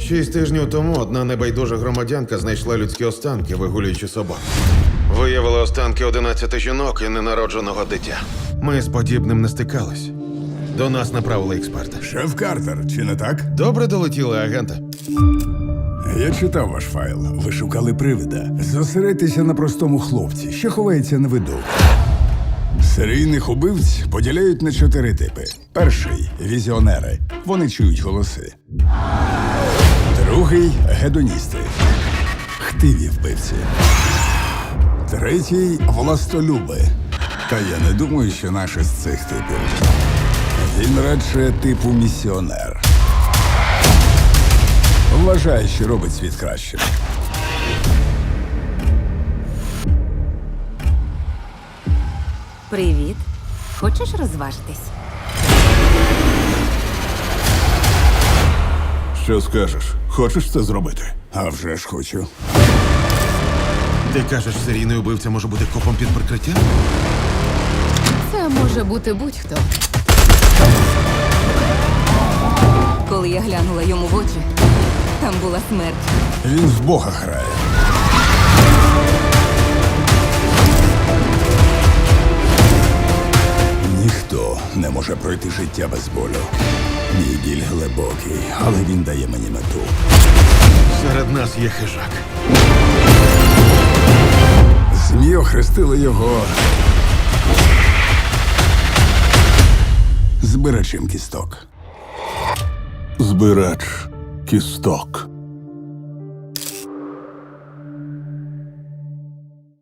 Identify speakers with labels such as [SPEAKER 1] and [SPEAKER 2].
[SPEAKER 1] 6 тижнів тому одна небайдужа громадянка знайшла людські останки, вигулюючи собак. Виявили останки 11 жінок і ненародженого дитя. Ми з подібним не стикались. До нас направили експерта.
[SPEAKER 2] Шеф Картер, чи не так?
[SPEAKER 1] Добре долетіли, агенти.
[SPEAKER 2] Я читав ваш файл. Ви шукали привида. Зосередьтеся на простому хлопці, що ховається на виду. Серійних убивць поділяють на 4 типи. Перший – візіонери. Вони чують голоси. Другий – гедоністи. Хтиві вбивці. Третій – властолюби. Та я не думаю, що наш із цих типів. Він радше типу місіонер. Вважає, що робить світ кращим.
[SPEAKER 3] Привіт. Хочеш розважитись?
[SPEAKER 4] Що скажеш? Хочеш це зробити?
[SPEAKER 2] А вже ж хочу.
[SPEAKER 1] Ти кажеш, серійний убивця може бути копом під прикриттям?
[SPEAKER 5] Це може бути будь-хто.
[SPEAKER 3] Коли я глянула йому в очі, там була смерть.
[SPEAKER 2] Він в Бога грає. Ніхто не може пройти життя без болю. Мій біль глибокий, але він дає мені мету.
[SPEAKER 1] Серед нас є хижак.
[SPEAKER 2] ЗМІ охрестили його збирачем кісток.
[SPEAKER 4] Збирач кісток.